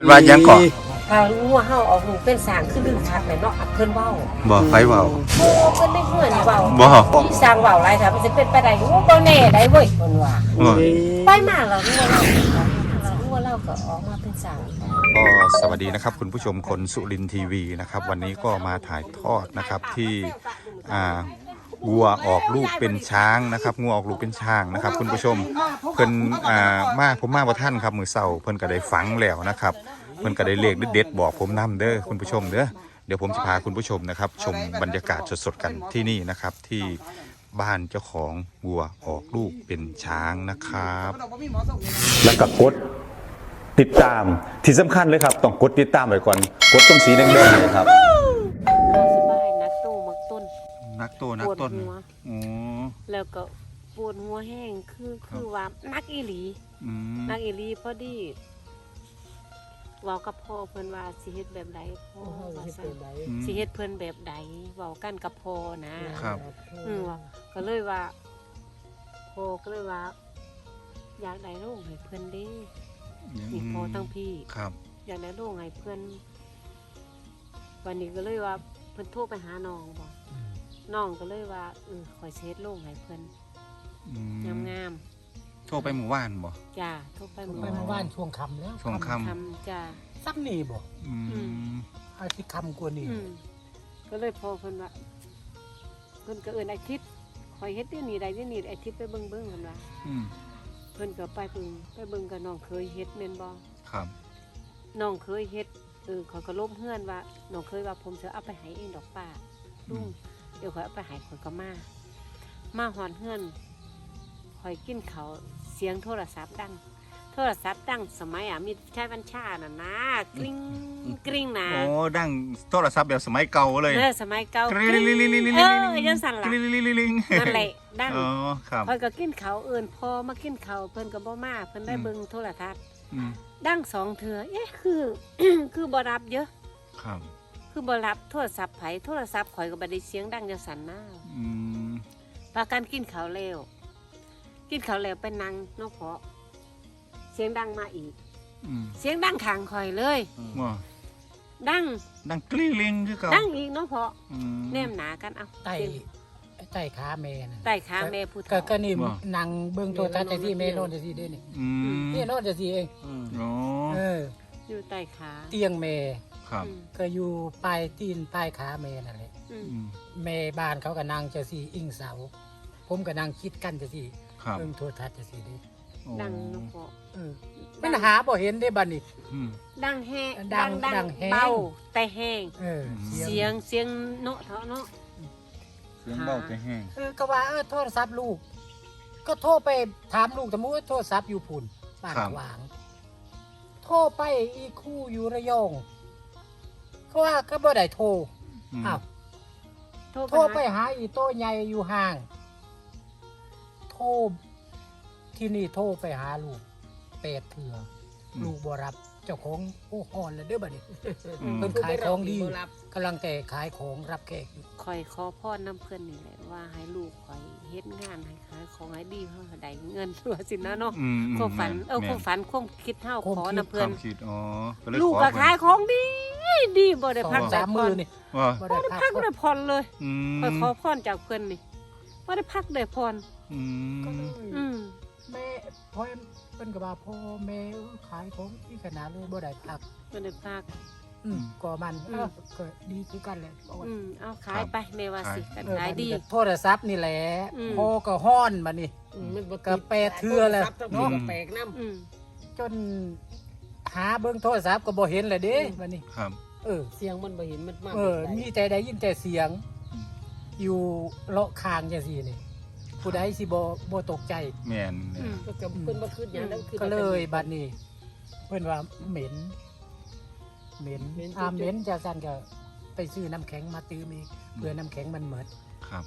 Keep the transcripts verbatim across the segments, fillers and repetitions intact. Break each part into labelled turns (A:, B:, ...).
A: ว่ายังเกาะ
B: ถ้างัวเฮาออกลูกเป็นสร้างคือลืมชัดเลยเนาะเพิ่นเว้า
A: บ่ไฟเว้า
B: โอ้เพิ่นได้เฮือนเว้า
A: บ่
B: ที่สร้างเว้าหลายถ้ามันสิเป็นไปได้โอ้บ่แน่ได้เว้ยเพิ่นว่าไปมาแล้วงัวเรางัวเราก็ออกมาเป็นสร้าง
A: ก็สวัสดีนะครับคุณผู้ชมคนสุรินทร์ทีวีนะครับวันนี้ก็มาถ่ายทอดนะครับที่อ่าวัวออกลูกเป็นช้างนะครับงัวออกลูกเป็นช้างนะครับคุณผู้ชมเพิ่นอ่ามาผมมาบ่ทันครับมื้อเช้าเพิ่นก็ได้ฝังแล้วนะครับเพิ่นก็ได้เลขเด็ดๆบอกผมนำเด้อคุณผู้ชมเด้อเดี๋ยวผมจะพาคุณผู้ชมนะครับชมบรรยากาศสดๆกันที่นี่นะครับที่บ้านเจ้าของวัวออกลูกเป็นช้างนะครับ
C: แล้วก็กดติดตามที่สำคัญเลยครับต้องกดติดตามไว้ก่อนกดตรงสีแดงๆเลยครับ
B: สบายนักตู้มักต้น
A: นักโตนักต้นอ๋อ
B: แล้วก็ปวดหัวแห้งคือคือว่านักอีหลีนักอีหลีพอดีเว้ากับพ่อเพิ่นว่าสิเฮ็ดแบบใดพ่อว่าซั่นสิเฮ็ดเพิ่นแบบใดเว้ากันกับพ่อนะครับอือก็เลยว่าพ่อก็เลยว่าอยากได้โรงให้เพิ่นเด้นี่พ่อทั้งพี่
A: ครับ
B: อยากได้โรงให้เพิ่นวันนี้ก็เลยว่าเพิ่นโทรไปหาน้องบ่น้องก็เลยว่าเออขอยเช็ดโล่งให้เพิ่นงาม
A: ๆโทรไปหมู่บ้านบ่
B: จ้าโทรไปหมู่
D: บ้านช่วงค่ำแล้ว
A: ช่วงค่
B: ำจ้า
D: ซ้ำนี่บ่
A: อืม
D: อาทิตย์ค่ำกว่านี้
B: ก็เลยพอเพิ่นว่าเพิ่นก็เอิ้นอาทิตย์คอยเฮ็ดเดี๋ยวนี้ได้เดี๋ยวนี้อาทิตย์ไปเบิ่งๆเพิ่นว่า
A: อืม
B: เพิ่นก็ไปเบิ่งไปเบิ่งกับน้องเคยเฮ็ดแม่นบ่
A: ครับ
B: น้องเคยเฮ็ดเออเขาก็ล้มเฮือนว่าน้องเคยว่าผมจะเอาไปให้เองดอกป้าลุงเดี๋ยวข่อยเอาไปให้ข่อยก็มามาหอนเฮือนข่อยกินเขาเสียงโทรศัพท์ดังโทรศัพท์ดังสมัยอ่ะมีใช้บัญชาน่ะนะกริ๊งกริ๊งนะ
A: โอ้ดังโทรศัพท์แบบสมัยเก่าเลย
B: เออสมัยเก่ากริ๊งเออยังสั่นล่ะนั่นแหละดัง
A: อ๋อครับ
B: ข่อยก็กินเขาเอิ้นพอมากินเขาเพิ่นก็บ่มาเพิ่นได้เบิ่งโทรทัศน์ดังสองเทื่อเอ๊ะคือคือบ่รับเยอะ
A: ครับ
B: คือบ่รับโทรศัพท์ไผโทรศัพท์ข่อยก็บ่ได้เสียงดังจังสั่นนะ
A: อืม
B: พากันกินข้าวแล้วกินข้าวแล้วไปนั่งเนาะเพาะเสียงดังมาอีกเสียงดังข้างข่อยเลย
A: ว่า
B: ดัง
A: ดังกลิ้งลิงคือเก่า
B: ดังอีกเนาะเพาะแนมหนากันเอา
D: ไต่ไต่ขาแม่น่ะ
B: ไต่ขาแม่ผู้
D: เฒ่าก็นี่นั่งเบิ่งโทรทัศน์จังซี่แม่นอนจังซี่เด้นี่นี่นอนจังซี่เอง
A: อ๋อ
D: เออ
B: อยู่ใต้ขา
D: เตียงแม่
A: ครับ
D: ก็อยู่ปลายตีนปลายขาแม่นั่นแหละแม่บ้านเขาก็นั่งจังซี่อิงเสาผมก็นั่งคิดกันจังซี่เบิ่งโทรทัศน์จังซี่เด้
B: ดังเนาะเพาะ
D: เออมันหาบ่เห็นได้บัดนี้
B: ดังแห้ง
D: ดังดัง
B: เบาแต่แห้ง
D: เออ
B: เสียงเสียงเนาะเถาะเนาะ
A: เสียงเบาแต่แห้ง
D: เออก็ว่าเออโทรศัพท์ลูกก็โทรไปถามลูกแต่มู้โทรศัพท์อยู่พุ่นบ้านขวางโทรไปอีคู่อยู่ระยองเขาว่าก็บ่ได้โทรอ้าวโทรไปหาอีโต้ใหญ่อยู่ห่างโทรที่นี่โทรไปหาลูกแปดเถื่อลูกบ่รับเจ้าของโอ้ฮอนเลยเด้อบัดนี้เพิ่นขายของดีกำลังแต่ขายของรับแขกอยู่
B: คอยขอพรน้ำเพิ่นนี่แหละว่าให้ลูกคอยเฮ็ดงานให้ขายของให้ดีเฮาได้เงินตัวสินะเนาะความฝันเออความฝันความคิดเฮาขอน้ำเพิ่น
A: อ๋อ
B: ลูกก็ขายของดีดีบ่ได้พัก
D: สามมื้อนี่
B: บ่ได้พักได้ผ่อนเลยคอยขอพรจากเพิ่นนี่บ่ได้พักได้ผ่อน
A: อืม
B: อืม
D: แม่พ่อเพิ่นก็ว่าพ่อแม่ขายของที่ขนาดเลยบ่ได้พัก
B: บ่ได้พัก
D: อืมก็มันเออก็ดีคือกันแหละ
B: อืมเอาขายไปแม่ว่าสิกันขายดี
D: โทรศัพท์นี่แหละพ่อก็ฮ้อนบัดนี้มันก็แปดเทื่อแล้วเนาะ
B: แปลกนำ
D: จนหาเบิ่งโทรศัพท์ก็บ่เห็นแล้วเด้บัดนี้
A: ครับ
D: เออ
B: เสียงมันบ่เห็นมันมาก
D: เออมีแต่ได้ยินแต่เสียงอยู่เลาะคางจังซี่นี่ผู้ใดสิบ่บ่ตกใจ
A: แม่น
B: ก็เพิ่นบ่คิดหยังแล้วคือ
D: ก็เลยบัดนี้เพิ่นว่าเหม็นเหม็นอ่าเหม็นจะสั่นก็ไปซื้อน้ำแข็งมาตื้มอีกเพื่อน้ำแข็งมันหมด
A: ครับ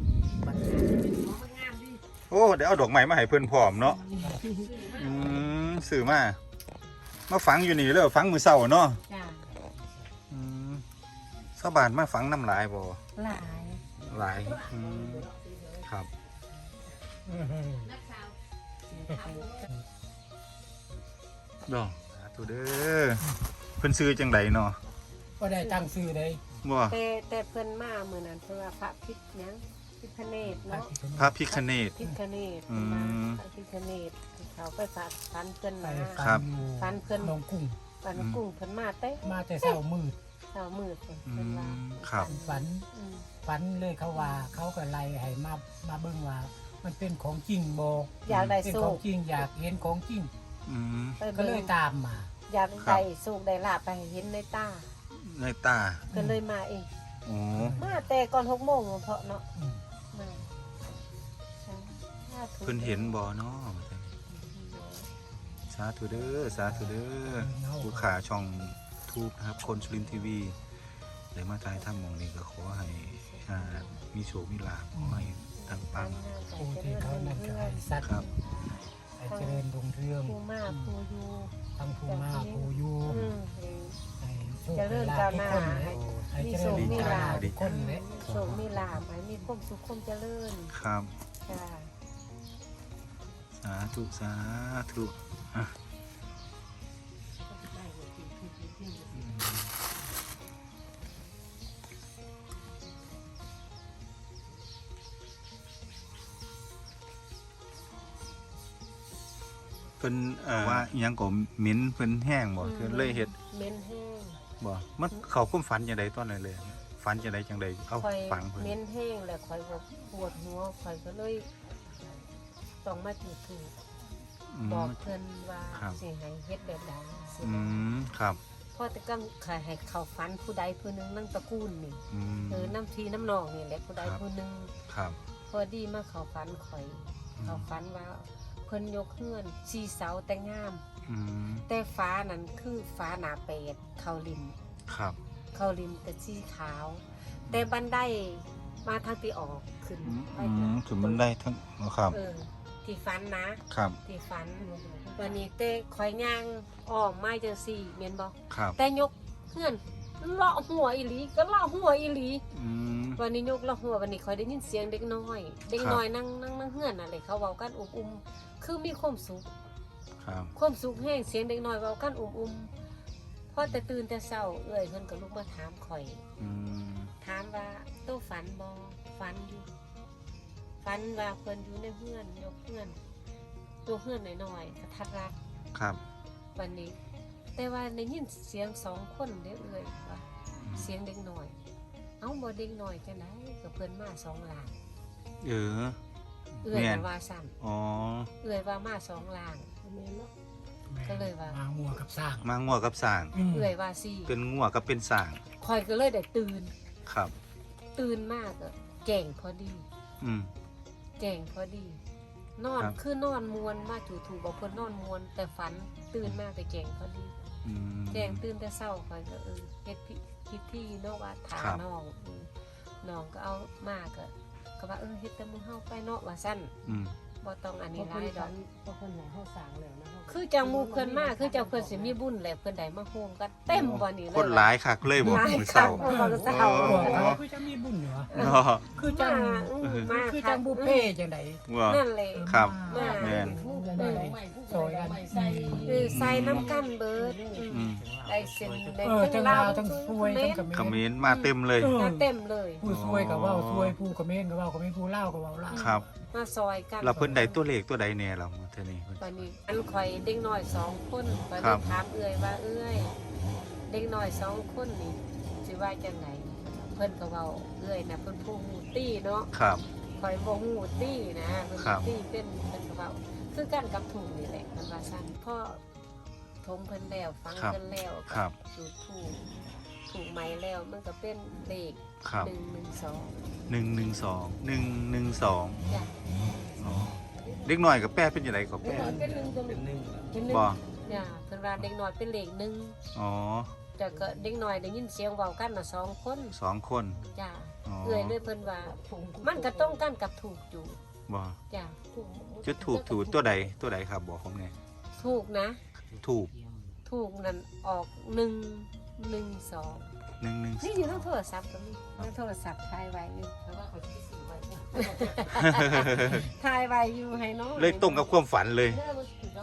A: โอ้เดี๋ยวเอาดอกไม้มาให้เพื่อนพร้อมเนาะอืมสื่อมามาฝังอยู่นี่เลยฝังมือเสาเนาะอืมชาวบ้านมาฝังน้ำลายบ่
B: หลาย
A: หลายครับดอกถูธุเด้อเพิ่นซื้อจังไดเนาะ
D: บ่ได้ตั้งชื่อเลย
A: บ่
B: แต่แต่เพิ่นมามื้อนั้นเพิ่นว่าพระพิษหยังพิฆเนศเนาะ
A: พระพิฆเนศ
B: พิฆเนศ
A: อืม
B: พระพิฆเนศเขาไปฝากฟันเพิ่น
D: ไป
B: มา
A: ครั
D: ฟั
A: บ
D: นอยู่
B: ฟันเพิ่น
D: ลงกุ้ง
B: ฟันกุ้งเพิ่นมาเต้
D: มาแต่เช้ามืด
B: เช้ามืดเพิ่น
A: อื
B: เพิ่นว่าม
A: ครับ
D: ฝัน
B: อืม
D: ฝันเลยเขาว่าเขาก็ไล่ให้มามาเบิ่งว่า มันเป็นของจริงบ่
B: อยากได้
D: เป็น
B: โช
D: ของ
B: ค
D: จริงอยากเห็นของจริง
A: อืม
B: ไป
D: ก็
B: เบิ่
D: เลย
B: ง
D: ตามมา
B: อยาก
A: ครับ
B: ได้โชคได้ลาภไปเห็นในตา
A: ในตา
B: ก็เลยมาเอง
A: โอ้
B: มาแต่ก่อนหกโมงเพราะเนาะ
D: อืม
B: มาใช่สาธุ
A: เพิ่นเห็นบ่เนาะสาธุเด้อสาธุเด้อผู้ขาช่องทูบนะครับคนสุรินทร์ทีวีได้มาถ่ายทำหมองนี้ก็ขอให้อ่ามีโชคมีลาภขอให้ทั้งปัง
D: ผู้ที่เขานั่นก็ให้สัตว์
A: ครับ
D: ให้เจริญรุ่งเรือง
B: ผู้มาผู้อยู่
D: ทั้งผู้มาผู้อยู่
B: อืม
D: ให้โชค
B: เจริญ
D: ให้ลา
B: ก้า
D: ภ
B: ว
D: ทุก
B: หน้า
D: คน
B: ให้
D: ให้
B: มี
D: เจ
B: โช
D: ริญ
B: คมีลาภ
D: ทุกคนเลย
B: โชคมีลาภให้มีความสุขความเจริญ
A: ครับ
B: จ้า
A: สาธุสาธุอ่ะเพิ่นเอ่อว่าอิหยังก็เหม็นเพิ่นแห้งบ่เพิ่นเลยเฮ็ด
B: เม้นแห้ง
A: บ่มันเขาคุ้มฝันจังไดตอนนั้นเลยฝันจังไดจังไดเอา
B: คอย
A: ฝังเพิ่น
B: เม้นแห้งแล้วคอยบอกปวดหัวคอยก็เลยต้องมาจุดถูก
A: อืม
B: บอกเพิ่นว่า
A: ครับ
B: สิให้เฮ็ดแบบใดสิ
A: อืมครับ
B: เพราะแต่ก็ขายให้เขาฝันผู้ใดผู้หนึงนั่งตระกูลนี่
A: อืม
B: เออน้ำทีน้ำนองนี่แหละผู้ใด
A: ครับ
B: ผู้หนึง
A: ครับ
B: พอดีมาเขาฝันข่อย เขาฝันว่าเพิ่นยกเฮือนสีเสาแต่งาม
A: อืม
B: แต่ฟ้านั้นคือฟ้าหนาเป็ดเขาริม
A: ครับ
B: เขาริมแต่สีขาว แต่บันไดมาทางที่ออกขึ้นไป
A: อืมคือมันได้ทั้งครับ
B: เออที่ฝันนะครับ ที่ฝันวันนี้เต้คอยย่างอ้อมไม้จังสี่เมียนบอก
A: ครับ
B: แต่ยกเฮือนเลาะหัวอีหลีก็เลาะหัวอีหลี
A: อืม
B: วันนี้ยกเลาะหัววันนี้คอยได้ยินเสียงเด็กน้อย เด็ก
A: ครับ
B: น้อยนั่งนั่งนั่งเฮือนอะไรเขาเว้ากันอุ้มอุ้มๆคือมีความสุข
A: ครับ
B: ความสุขแห้งเสียงเด็กน้อยเว้ากันอุ้มอุ้มๆพอแต่ตื่นแต่เช้าเอ้ยเพิ่นก็ลุกมาถามข่อย
A: อืม
B: ถามว่าโตฝันบ่ฝันอยู่ฝันว่าเพิ่นอยู่ในเฮือนยกเฮือน ตัวเฮือนน้อยๆกระทัดรัด
A: ครับ
B: วันนี้ แต่ว่าได้ยินเสียงสองคนเด้อเอ้ยว่า
A: อืม
B: เสียงเด็กน้อย เอ้าบ่เด็กน้อยจังได๋ก็เพิ่นมาสองหลาง
A: เออ
B: เอื้อย
A: แม่น
B: น่ะว่าสั่น
A: อ๋อ
B: เอื้อยว่ามาสองหลาง ก็เลยว่า
D: มางัวกับสร้าง
A: มางัวกับสร้าง
D: อืม
B: เอื้อยว่าสี่
A: เป็นงัวกับเป็นสร้าง
B: คอยก็เลยได้ตื่น
A: ครับ
B: ตื่นมากก็แก่งพอดี
A: อืม
B: แก่งพอดี นอน
A: ครับ
B: คือนอนมวนมาถูถูบอกเพิ่นนอนมวน แต่ฝันตื่นมากแต่แก่งพอดี
A: อืม
B: แก่งตื่นแต่เช้าคอยก็เออเฮ็ดพิพิธีเนาะว่าถา
A: ครับ
B: น้องอืมน้องก็เอามากก็ก็ว่าเออเฮ็ดแต่มื้อเฮาไปเนาะว่าซั่น
A: อืม
B: บ่ต้องอันนี้หลายดอก
E: เพราะคนไหนเข้าสางแล้วนะ
B: คือจังหมู่เพิ่นมาคือจังเพิ่นสิมีบุญแหละเพิ่นได้มาโฮมกันเต็มบ่นี่เลย
A: คนหลายคักเลยบ่
B: หลาย
A: มื้อ
B: คั
A: เช้าก
B: บ่ว่าเช้า
A: โอ้
D: บอกเขาคือจะมีบุญเหรอ
A: เนาะ
D: คือจัง
B: มาอืมมา
D: คือจังบุฟเฟ่จังได
A: ว่า
B: นั่นแหละ
A: ครับ
B: มา
A: แม่น
E: ผู้ใดใหม่ผู้ใดใหม่ใส่
B: คือใส่น้ำกันเบิดอืม
A: อืม
B: ได้เส้นได้
D: เออ
B: ทั้
D: ทั้
B: ง
D: ง
B: ลา
D: ลาว วทั้งซวยทั้ง
B: เข
D: เข
A: คอม
D: ม
A: เม
D: ร
A: นต์มาเต็มเลย
D: เออ
B: มาเต็มเลย
D: ผู้ซวยก็เว้าซวยผู้เขมรก็เว้าเขมรผู้ลาวก็เว้าลาว
A: ครับ
B: มาซอยกัน
A: เราเพิ่นได้ตัวเลขตัวใดแน่เราเท่านี้เพิ่น
B: วันนี้อันข่อยเด็กน้อยสองคนข่อย
A: ครั
B: ได้
A: บ
B: ถามเอื้อยว่าเอื้อยเด็กน้อยสองคนนี่สิว่าจังไดเพิ่นก็เว้าเอื้อยน่ะเพิ่นผู้ฮู้ตี้เนาะ
A: ครับ
B: ข่อยบ่ฮู้ตี้นะเพิ่น
A: ครับ
B: ตี้เป็นเพิ่นก็เว้าคือกันกับถุงนี่แหละเพิ่นว่าซั่นพ่อทมเพิ่นแล้วฟัง
A: ครับ
B: เพิ่นแล้ว
A: ครับ
B: จุดถูกถูกไหมแล้วมันก็เป็นเลข
A: ครับ
B: หนึ่งหนึ่งสอง
A: หนึ่งหนึ่งสองหนึ่งหนึ่งสอง
B: จ้ะ
A: อ๋อเด็กน้อยกับแป้เป็นยังไงกับ
B: เด็ก
A: แป้
B: น้อยเป็นหนึ่งตัวเป็นหนึ่งเป็นหนึ่ง
A: บ่
B: จ้ะเพิ่นว่าเด็กน้อยเป็นเลขหนึ่ง
A: อ๋อ
B: แต่ก็เด็กน้อยได้ยินเสียงเว้ากันน่ะสองคน
A: สองคน
B: จ้ะ
A: อ๋อ
B: เอื้อยเลยเพิ่นว่ามันก็ต้องกันกับถูกอยู่
A: บ่
B: จ้ะ
A: จุดถูกถูกตัวใดตัวใดครับบอกผมไง
B: ถูกนะ
A: ถูก
B: ถูกนั่นออกหนึ่งหนึ่งสอง
A: หนึ่งหนึ่ง
B: นี่อยู่ทั้งโทรศัพท์ก็มีทั้งโทรศัพท์ถ่ายไว้อยู่
E: เพราะว่าเขาที่สื่อไว้
B: ถ่ายไว้อยู่ให้น้อง
A: เลยตรงกับความฝันเลย
E: เรื่องมันถือแล้ว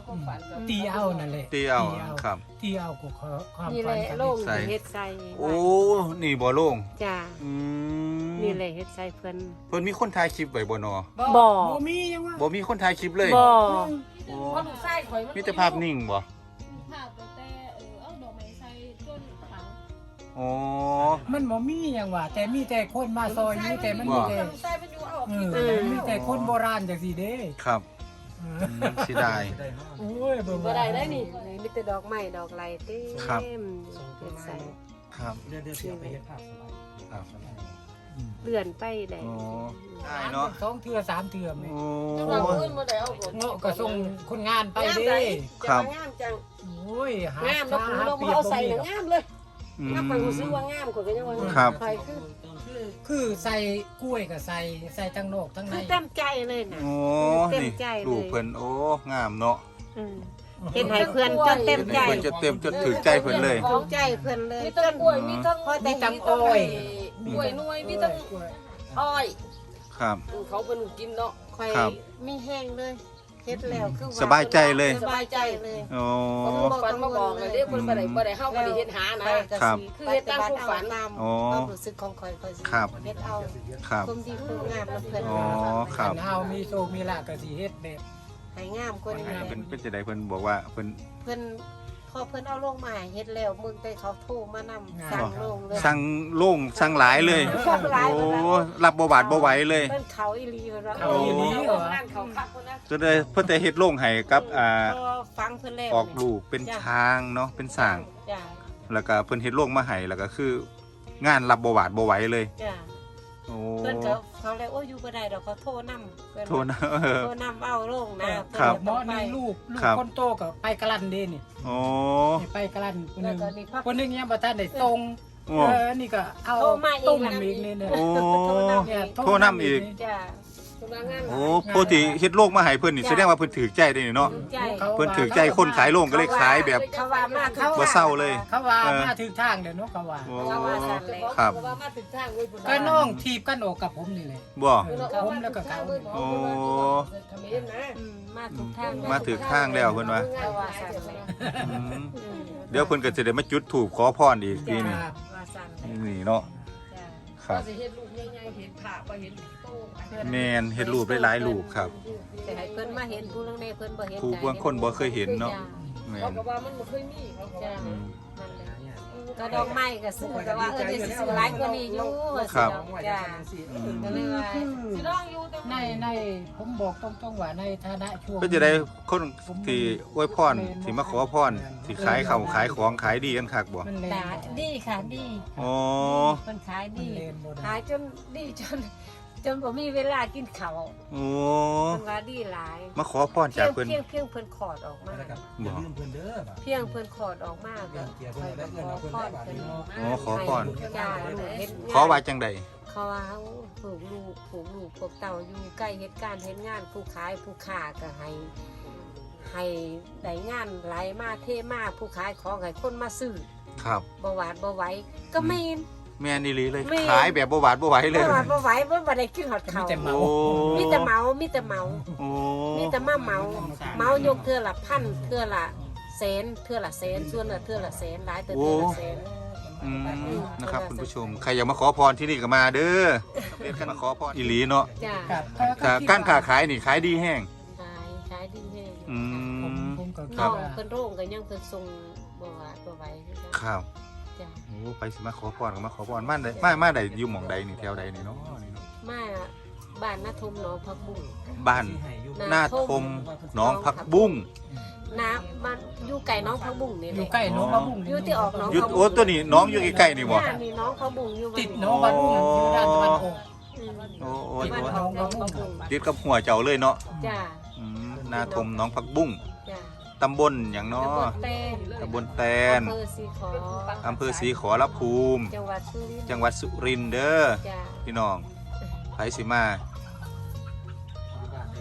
E: ความฝันก็
D: ตีเอานั่นแหละ
A: ตีเอาครับ
D: ตีเอากูขอความ
B: นี่แห
D: ฝั
B: ละ
D: นกัน
B: โล่ง
A: ใส่
B: เฮ็ดใส่
A: โอ้นี่บ่โล่ง
B: จ้า
A: อืม
B: นี่แหละเฮ็ดใส่เพิ่น
A: เพิ่นมีคนถ่ายคลิปไว้บ่นอ
B: บ่
D: บ่มียังว่า
A: บ่มีคนถ่ายคลิปเลย
B: บ่
A: โอ้
E: เพราะลูกชายข่อยมัน
A: มีแต่ภาพนิ่งบ่
F: ภาพตั้งแต่เออเอาดอกไม้ใส่จนฝัง
A: อ๋อ
D: มันบ่มียังว่าแต่มีแต่คนมาซอยมีแต่มันมีแต่
E: ลูกชายมันอยู่เอา
D: เออมีแต่คนโบราณจังซี่เด้
A: ครับ
D: เอ
A: อื
D: อ
A: มเสิได้
D: โอ้ยเบิ่ง
E: บ่ได้ได้นี่
B: มีแต่ดอกไม้ดอกไหลเต็
A: ครับ
B: มเฮ็ดใส่
A: ครับ
G: เดือนเดือนเสียไปเฮ็ดภาพสบาย
A: ครับ
B: เลื่อนไปได้
A: อ๋อได้เนาะ
D: สองเทื่อสามเทื่อแม่
A: โอ้
E: จังหวะมื้อบ่ได้เอาบ่
D: เงาะก็ส่งคนงานไปเด้
A: ครับ
E: งามจัง
D: โอ้ยหาง
E: ามแล้วคุณลงมาเอาใส่น่ะงามเลย
A: อืม
E: งามไปรู้สึกว่างามกว่าก็ยังว่า
A: ครับ
E: ไปคือ
D: คือใส่กล้วยก็ใส่ใส่ทั้งนอกทั้งใน
B: คือเต็มใจเลยน่ะ
A: โอ้
B: เต็ม
A: นี่
B: ใจเลย
A: ลูกเพิ่นโอ้งามเนาะ
B: อืมเฮ็ดให้เพิ่นจนเต็มใจ
A: เพิ่นจะเต็มจนถึงใจเพิ่นเลย
B: ถูกใจเพิ่นเลย
E: มีทั้งกล้วยมีทั้ง
B: พอแต่
D: มีทั้ง
B: มี
D: อ้อย
E: กล้วยหน่วยมีทั้ง
D: กล้วย
E: อ้อย
A: ครับ
E: เขาเป็นกินเนาะ
B: ค่อย
A: ครับ
B: มีแห้งเลยเฮ็ดแล้วคือว่
A: สบายใจเลย
B: สบายใจเลย
A: โอ้
E: เขาฝันมาบอกเลยเด้เพิ่นบ่ได้บ่ได้เฮาบ่ได้เฮ็ดหานะ
A: ครับ
E: คือเฮ็ดตามความฝัน
B: ตาม
A: โอ้
B: ความรู้สึกของข่อยข่อยสิ
A: ครับ
B: เฮ็ดเอา
A: ครับ
B: ความดีความงามแล้วเพิ่น
A: อ๋อครับ
D: คันเฮามีโชคมีลาภก็สิเฮ็ดแบบ
B: ให้งามกว่านี้
A: เพิ่นเป็นจะได้เพิ่นบอกว่าเพิ่น
B: เพิ่นพอเพิ่นเอาลงมาให้เฮ็ดแล้วมึงแต่เขาโทรมานำสั่งลงเลย
A: สั่งโล่งสั่งหลายเลย
B: สั่งหลาย
A: โอ้
B: เลยนะ
A: รับบ่บาดบ่ไหวเลย
B: เพิ่นเขาอีหลีเพิ่นว่า
D: เอาอีหลีเหรอ
E: นั่นเขาคักคนนั้น
A: จะได้เพิ่นจะเฮ็ดโล่งให้กับอ่า
B: พอฟังเพิ่นแล้ว
A: ออกลูกเป็นช้างเนาะเป็นสร้าง
B: จ้ะ
A: แล้วก็เพิ่นเฮ็ดโล่งมาให้แล้วก็คือ งานรับบ่บาดบ่ไหวเลย
B: จ้ะ
A: โอ้
B: เพิ่นก็เขาเลยโอ้ยอยู่บ่ได้ดอกเขาโทรนำเพิ่น
A: โทษนะเออ
B: โทรนำเอาลงนะ
A: ครับ
D: หมอนี่ลูกลูก
A: ครับ
D: คนโตก็ไปกะลันเด้นี่
A: โอ้
D: นี่ไปกะลันคนห
B: แล้ว
D: นึง
B: ก็นี่พัก
D: คนหนึงยังบ่ทันได้ตรง
A: โอ้
D: เออนี่ก็เอา
B: โทรมาเอง
D: ต้ม
B: นะ
D: อีกนี่เนี่ย
A: โอ้
D: เนี่ย
A: โทรนำอีก
B: จ้ะ
E: คนว่างาน
A: โอ้ปกติเฮ็ดโล่งมาให้เพิ่นนี่แสดงว่าเพิ่นถือใจได้นี่เนาะ
B: ถูกใจ
A: เพิ่นถือใจคนขายโล่งก็เลยขายแบบ
B: เขาว่ามาเขา
A: บ่เศร้าเลย
D: เขาว่า
A: เออ
D: มาถึงทางเด้อเนาะเขาว่า
A: โอ้
B: เขาว่าสั่นเลย
A: ครับ
E: ว่ามาถึงทางเว้ยพุ่น
D: ก็น้องทีบกันออกกับผมนี่แหละ
A: บ่
D: ผมแล้วก็เขา
A: โอ้
E: เขมรนะ
B: อืมมาถูกทาง
A: มาถึงทางแล้วเพิ่นว่า
B: เขาว่าสั่นเลย
A: อืม
B: อืม
A: เดี๋ยวเพิ่นก็จะได้มาจุดธูปขอพรอีกทีนี่
D: ครับ
B: ว่าสั่นเลย
A: นี่เนาะ
B: จ้ะ
A: ครับ
E: ว่าสิเฮ็ดลูกใหญ่ๆเห็นภาพว่าเห็นโตอันนั้น
A: แม่นเฮ็ดรูปหลายๆรูปครับ
B: แต่ให้เพิ่นมาเห็นผู้เรื่องในเพิ่นบ่เห็น
A: ผู้บางคนบ่เคยเห็นเนาะ
B: จ้
A: แม่
E: เขา
A: น
E: ก็ว่ามันบ่เคยมีเขาก็
B: จ้ะ
E: ว่า
A: อืม
B: นั่นแหละก็ดอกไม้ก็ซื้อแต่ว่าเออเดี๋ยวสิซื้อหลายกว่านี้อยู่ว่า
A: ครับ
B: สิจ้ะ
A: อืม
B: ก็เลยว่า
E: สิลองอยู่แต่
D: ในในผมบอกตรงๆว่าในฐานะช่วง
A: ก็จะได้คนที่อวยพรที่มาขอพรที่ขายข้าวขายของขายดีกันคักบ่
D: มันเล
B: ตาดีค่ะดี
A: อ๋อ
B: เพิ่นขาย
D: มัน
B: ดี
D: เลนบ่ได้
B: ขายจนดีจน จนบ่มีเวลากินข้าว
A: โอ้
B: เพิ่นว่าดีหลาย
A: มาขอพร
B: เพี
A: จาย ก
B: ง
A: เพิ่น
B: เพียงเพียงเพิ่นขอดออกมา
G: อย่าลืมเพิ่นเด้อบ่
B: เพียงเพิ่นขอดออกมาก็ค่อยมาขอพรเพิ่น
A: อ๋อขอพร
B: จ้าลูกเฮ็ด
A: ขอว่าจังใด
B: เขาว่าเฮาผูกลูกผูกลูกพวกเต่าอยู่ใกล้เฮ็ดการเฮ็ดงานผู้ขายผู้ค้าก็ให้ให้ได้งานไหลมาเทมาผู้ขายของให้คนมาซื้อ
A: ครับ
B: บ่หวาดบ่ไหวก็ไม่
A: แม่นอีหลีเลย
B: แม่น
A: ขายแบบบ่หวาดบ่ไหวเลย
B: บ่หวาดบ่ไหวบ่บ่ได้กินฮอด
D: มี
B: ข้าว
D: แต่เมา
A: โอ้
B: มีแต่เมามีแต่เมา
A: โอ้
B: มีแต่มาเมา เมายกเทื่อละพันเทื่อละแสนเทื่อละแสนส่วนละเทื่อละแสนหลายแต่เทื่อละแสน
A: อืมนะครับคุณผู้ชมใครอยากมาขอพรที่นี่ก็มาเด้อเป็นกันมาขอพรอีหลีเนาะ
B: จ้า
D: ครับ
A: ถ้าการค้าขายนี่ขายดีแห้ง
B: ขายขายดีแห้ง
A: อื
D: ผม
A: ม
D: ผมก็
B: น้
D: คิ
B: อ
D: ด
B: ง
D: ว่า
B: เพิ่นโรงก็ยังเพิ่นส่งบ่หวาดบ่ไหวคือกัน
A: ครับ
B: จ้า
A: โอ้ไปสิมาขอพรก็มาขอพรมาได้มามาได้อยู่หม่องใดนี่แถวใดนี่เนาะนี่เนาะ
B: มาบ้านนาทมหนองผักบุ้ง
A: บ้านหน้าทมหน้องผักบุ้ง
B: น้ำมันอยู่ไก่น้องผักบุ้งนี่
D: อ
B: แห
D: ยู่
B: ละ
D: ใกล้หน้องบะบุ้ง
B: อยู่ที่ออกน้อง
A: อยุ
B: ผัก
A: โอ้
B: บุ้ง
A: ตัวนี้น้องอยู่ใกล้ๆนี่บ่
B: ย่านี่น้องผักบุ้งอยู่
D: ติดหน้องบะบุ้งอยู่ด้านตะวันออก
B: อืม
A: โอ้โอ้
B: บ้าน
A: โอ้
B: ออกน้องผักบุ้ง
A: ติดกับหัวเจ้าเลยเนาะ
B: จ้า
A: อืมหน้าทมหน้องผักบุ้ง
B: จ้า
A: ตำบลหยัง
B: ตำ
A: เนาะ
B: บลแตน
A: ตำบลแตน
B: อำเภอสีขอ
A: อำเภอศรีขอรภูมิ
B: จังหวัดสุรินทร์
A: จังหวัดสุรินทร์เด้อ
B: จ้า
A: พี่น้องไผสิมา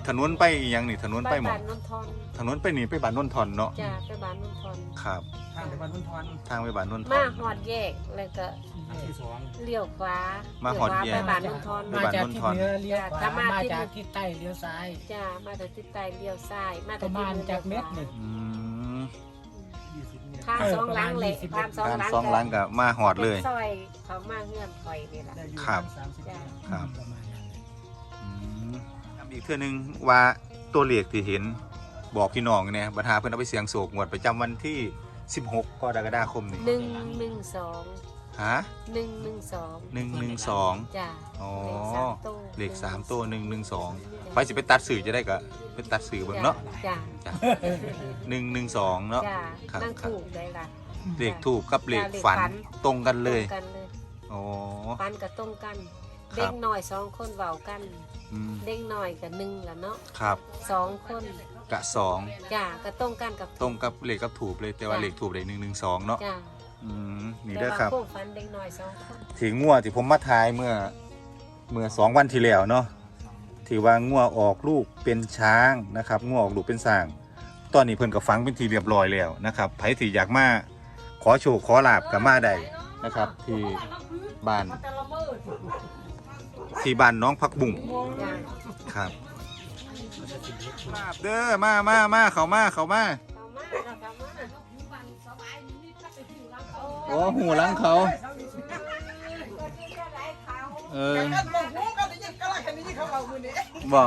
A: ถนนไปอีหยังนี่ถนนไปหม
B: บ้า
A: ด
B: นนนทอน
A: ถนนไปนี่ไปบ้านนนทอนเนาะ
B: จ้าไปบ้านนนทอน
A: ครับ
G: ทางไปบ้านพุ่นทอน
A: ทางไปบ้านนนทอ
B: มาน หอดแยกแล้วก็
G: อันที่สอง
B: เลี้ยวขวา
A: มา
B: มา
A: หอดแยก
B: ไปบ้านนนทอน
A: ไป
D: มา
A: บ้าน
D: จาก
A: นน
D: ทิศ
A: ทอน
D: เหนือเลี้ยวขวา
B: ถ้ามา
D: มา
B: ทิศ
D: จากทิศใต้เลี้ยวซ้าย
B: จ้ามาแต่ทิศใต้เลี้ยวซ้ายมา
D: ป
B: แต่
D: ระ
B: ทิศ
D: มาณ
B: เหนือ
D: จากเม็ดหนึ่ง
A: อืม
B: ทางสองหลังเลยทางสอง
A: การ
B: หลัง
A: สองหลังก็มาหอดเลย
B: ซอยเขามาเงื่อนคอยนี่แหละ
G: ได้อยู่
A: ครับ
G: สามสิบ
B: จ้ะ
A: ครับ
D: ประมาณนั้นแหละ
A: อืมอีกเทื่อนึงว่าตัวเลขที่เห็นบอกพี่น้องเนี่ยบรรดาเพิ่นเอาไปเสียงโศกงวดประจำวันที่สิบหกกรกฎาคมนี่
B: หนึ่งหนึ่งสอง
A: ฮะ
B: หนึ่งหนึ่งสอง
A: หนึ่งหนึ่งสอง
B: จ้า
A: อ๋อ
B: เลขสามตัว
A: เลขสามตัวหนึ่งหนึ่งสองไปสิไปตัดสื่อจะได้ก็ไปตัดสื่อเบิ่งเนาะ
B: จ้า
A: จ้ะหนึ่งหนึ่งสองเนาะ
B: จ้า
A: ครับ
B: นั่งถูกได้ละ
A: เลขถูกกับเลข
B: จ้ะเลข
A: ฝัน
B: ฝัน
A: ตรงกันเลย
B: ตรงกันเลย
A: อ๋อ
B: ฟันกับตรงกัน
A: ครับ
B: เด็กหน่อยสองคนเบากัน
A: อืม
B: เด็กหน่อยกับหนึ่งละเนาะ
A: ครับ
B: สองคน
A: กะสอง
B: จ้าก็ตรงกันกับ
A: ตรงกับเลขกับถูกเลยแต่ว่า
B: จ้ะ
A: เลขถูกเลยหนึ่งหนึ่งสองเนาะ
B: จ้า
A: อืมนี่เด้อครับ
B: แต่ว่าพวกฟันเด็กหน่อยสองคน
A: ที่งัวที่ผมมาทายเมื่อเมื่อสองวันที่แล้วเนาะที่ว่างัวออกลูกเป็นช้างนะครับงัวออกลูกเป็นสร้าง ตอนนี้เพิ่นก็ฝังเป็นทีเรียบร้อยแล้วนะครับไผที่อยากมาขอโชคขอลาบก็มาได้นะครับ ที่บ้านที่บ้านน้องพักบุ่ง
B: จ้า
A: ครับลาบเด้อมามามาเขามาเขามา
B: เขามาเราเขามา
A: โอ้หูหลังเขาเออบ่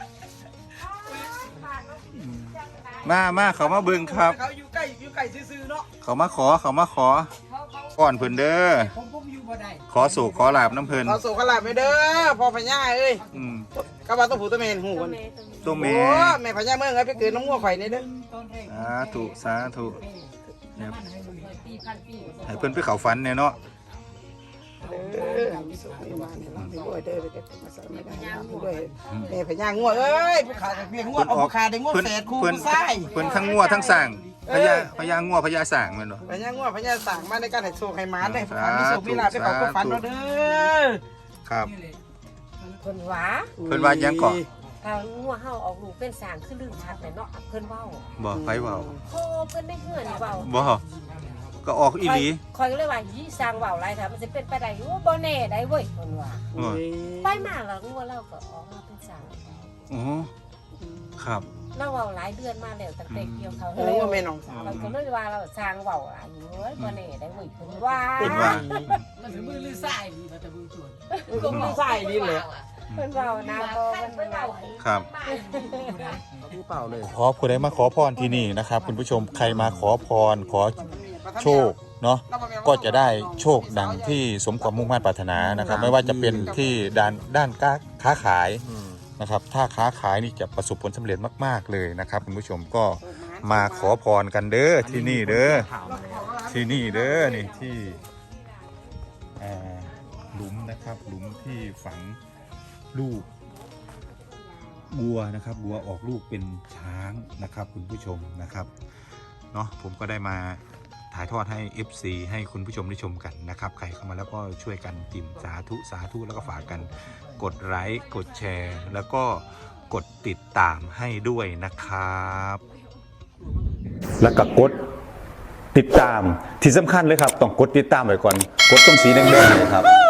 A: มามาเขามาเบิ่งครับ
H: เขาอยู่ใกล้อยู่ใกล้ซื่อๆเนาะ
A: เขามาขอเขามาขอก่อนเพิ่นเด้อ
D: ผมผมอยู่บ่ได้
A: ขอสู่ขอลาบน้ำเพิ่น
H: ขอส่งขลาบไปเด้อพ่อพญาเอ้ย
A: อืม
H: กะว่าต้องผูตัวเมนหู
B: ตัว
H: มัน
B: เมย์ตัวเมย์
A: ตัวแม่
H: โอ้แม่พญาเมืองเอ้ยไปเกิดน้ำงัวข่อยนี่เด้อ
D: ต้นแรก
A: สาธุสาธุเนี่ย
D: มันให้ลุย
E: ปีพันปี
A: ให้เพิ่นไปเข้าฝันเนี่ยเนาะ
H: เด้อมีสุขมีมาเนี่ยเราไปด้วยเด้อไปเก็บมาใส่ไม่ได้เราไปด้วยแม่พญางัวเอ้ยผู้ขาเมียงัวเอาผู้ขาได้งัว
A: เพิ่น
H: แฝดคู่
A: เพิ่น
H: ผู้ชาย
A: เพิ่นทั้งงัวทั้งสร้างพญาพญางัวพญาสร้างแม่นบ่
H: พญางัวพญาสั่งมาในการให้โชคให้หมาได้ผู้ขามีสุขมีลาภ
A: สาธุ
H: ไปเขาก็ฝันเราเด้อ
A: ครับ
B: เพิ่นหวา
A: เพิ่นว่าหยังก่อน
B: ถ้างัวเฮาออกลูกเป็นสางคือลืมชัดเลยเนาะเพิ่นเว้า
A: บ่ไผเว้า
B: โอ้เพิ่นได้เฮือนเว้า
A: บ่ก็ออกอีหลี
B: คอยก็เลยว่ายี่สร้างเว้าหลายถ้ามันสิเป็นไปได้โอ้บ่แน่ได้เว้ยเพิ่นว่า
A: โอ้ย
B: ไปมาแล้วงัวเราก็ออกมาเป็นสาง
A: อ๋อครับ
B: เราเว้าหลายเดือนมาแล้วตั้งแต่เกี่ยวเขา
H: โอ้แม่น้องสาว
B: เราก็เลยว่าเราสร้างเว้าหลายเว้ยบ่แน่ได้เว้ยเพิ่นว่า
A: เพิ่นว่า
E: มันถึงมือลือสายดีมันจะมือส่วน
H: ก็มีใส่ดีเลย
B: เพิ่นเว้านะบ่เพิ่นเว้า
A: ครับ
G: ผู้เปล่าเลย
A: ขอผู้ใดมาขอพรที่นี่นะครับคุณผู้ชมใครมาขอพรขอโชคเนาะก็จะได้โชคดังที่สมความมุ่งมั่นปรารถนานะครับ ไม่ว่าจะเป็นที่ด้านด้านค้าขายนะครับ ถ้าค้าขายนี่จะประสบผลสำเร็จมาก ๆเลยนะครับคุณผู้ชมก็มาขอพรกันเด้อที่นี่เด้อที่นี่เด้อนี่ที่อ่าหลุมนะครับหลุมที่ฝังลูกบัวนะครับบัวออกลูกเป็นช้างนะครับคุณผู้ชมนะครับเนาะผมก็ได้มาถ่ายทอดให้ เอฟ ซี ให้คุณผู้ชมได้ชมกันนะครับใครเข้ามาแล้วก็ช่วยกันจิ้มสาธุสาธุแล้วก็ฝากกันกดไลค์กดแชร์ แล้วก็กดติดตามให้ด้วยนะครับ
C: แล้วก็กดติดตามที่สำคัญเลยครับ ต้องกดติดตามไว้ก่อน กดตรงสีแดงๆเนยครับ